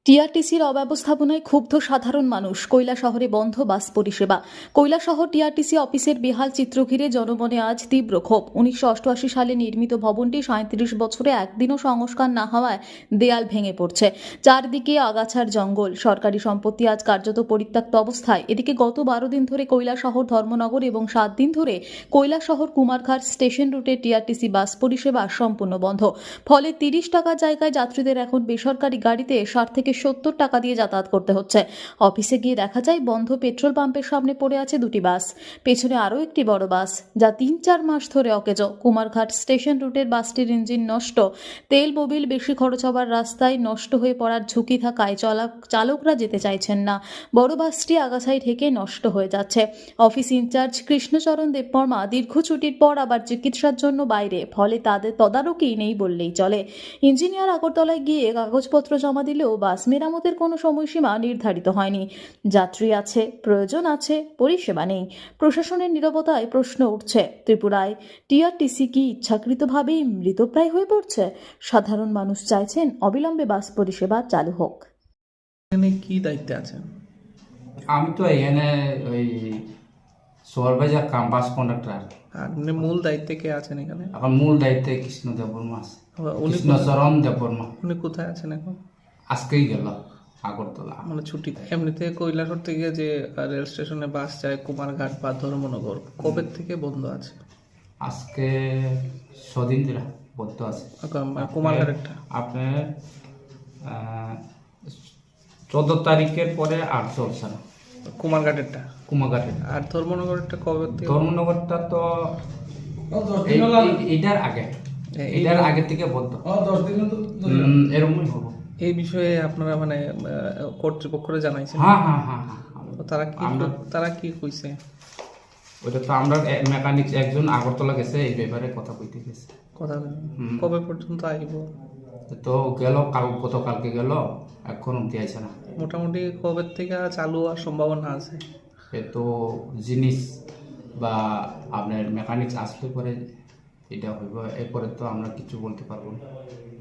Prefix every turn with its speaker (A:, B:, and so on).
A: টিআরটিসির অব্যবস্থাপনায় ক্ষুব্ধ সাধারণ মানুষ। কৈলাসহরে বন্ধ বাস পরিষেবা। কৈলাসহর টিআরটিসি অফিসের বেহাল চিত্র ঘিরে জনমনে আজ তীব্র ক্ষোভ। 1988 সালে নির্মিত ভবনটি 37 বছরে একদিনও সংস্কার না হওয়ায় দেয়াল ভেঙে পড়ছে। চারদিকে আগাছার জঙ্গল। সরকারি সম্পত্তি আজ কার্যত পরিত্যক্ত অবস্থায়। এদিকে গত 12 দিন ধরে কৈলাসহর ধর্মনগর এবং 7 দিন ধরে কৈলাসহর কুমারঘাট স্টেশন রুটে টিআরটিসি বাস পরিষেবা সম্পূর্ণ বন্ধ। ফলে 30 টাকার জায়গায় যাত্রীদের এখন বেসরকারি গাড়িতে 60 থেকে 70 টাকা দিয়ে যাতায়াত করতে হচ্ছে। অফিসে গিয়ে দেখা যায় বন্ধ পেট্রোল পাম্পের সামনে পড়ে আছে দুটি বাস, পেছনে আরও একটি বড় বাস যা 3-4 মাস ধরে অকেজো। কুমারঘাট স্টেশন রুটের বাসটির ইঞ্জিন নষ্ট, তেল মোবিল বেশি খরচ হবার রাস্তায় নষ্ট হয়ে পড়ার ঝুঁকি থাকায় চালকরা যেতে চাইছেন না। বড় বাসটি আগাছায় ঢেকে নষ্ট হয়ে যাচ্ছে। অফিস ইনচার্জ কৃষ্ণচরণ দেববর্মা দীর্ঘ ছুটির পর আবার চিকিৎসার জন্য বাইরে, ফলে তাদের তদারকি নেই বললেই চলে। ইঞ্জিনিয়ার আগরতলায় গিয়ে কাগজপত্র জমা দিলেও বাস মেরামতের কোনো সময়সীমা নির্ধারিত হয়নি। যাত্রী আছে, প্রয়োজন আছে, পরিষেবা নেই। প্রশাসনের নীরবতায় প্রশ্ন উঠছে, ত্রিপুরায় টিআরটিসি কি ইচ্ছাকৃতভাবেই মৃতপ্রায় হয়ে পড়ছে? সাধারণ মানুষ চাইছেন অবিলম্বে বাস পরিষেবা চালু হোক।
B: এখানে কি দায়িত্বে আছেন?
C: আমি তো এখানে ওই সুপারভাইজার কাম বাস কন্ডাক্টর।
B: আর মানে মূল দায়িত্বে কে আছেন এখানে?
C: এখন মূল দায়িত্বে কৃষ্ণ দেববর্মা আছে।
B: উনি
C: কৃষ্ণচরণ দেববর্মা
B: উনি কোথায় আছেন এখন?
C: আজকেই গেল আগরতলা।
B: মানে ছুটিতে। এমনিতে কৈলাসহর থেকে যে রেল স্টেশনে বাস যায় কুমারঘাট বা ধর্মনগর, কবে থেকে বন্ধ আছে?
C: আজকে ছদিন ধরে বন্ধ আছে।
B: কুমারঘাটেরটা
C: আপনার 14 তারিখের পরে আর চলছে না।
B: কুমারঘাটেরটা
C: কুমারঘাটে
B: আর ধর্মনগরেরটা কবে থেকে?
C: ধর্মনগরটা তো এটার আগে, এটার আগে থেকে বন্ধ। 10 দিন এরকমই হবো।
B: এই বিষয়ে আপনারা মানে কর্তৃপক্ষরা জানাইছেন?
C: হ্যাঁ হ্যাঁ হ্যাঁ হ্যাঁ।
B: তারা কি কইছে?
C: ওটা তো আমরা মেকানিক একজন আগরতলা গেছে, এই ব্যাপারে কথা কইতে গেছে।
B: কথা কবে পর্যন্ত আইব?
C: তো গেল গতকালকে গেল, এখন অব্দি আইছে না।
B: মোটামুটি কবে থেকে চালু হওয়ার সম্ভাবনা আছে?
C: এ তো জিনিস বা আপনার মেকানিক্স আসলে পরে এটা হইব, এরপরে তো আমরা কিছু বলতে পারবো না।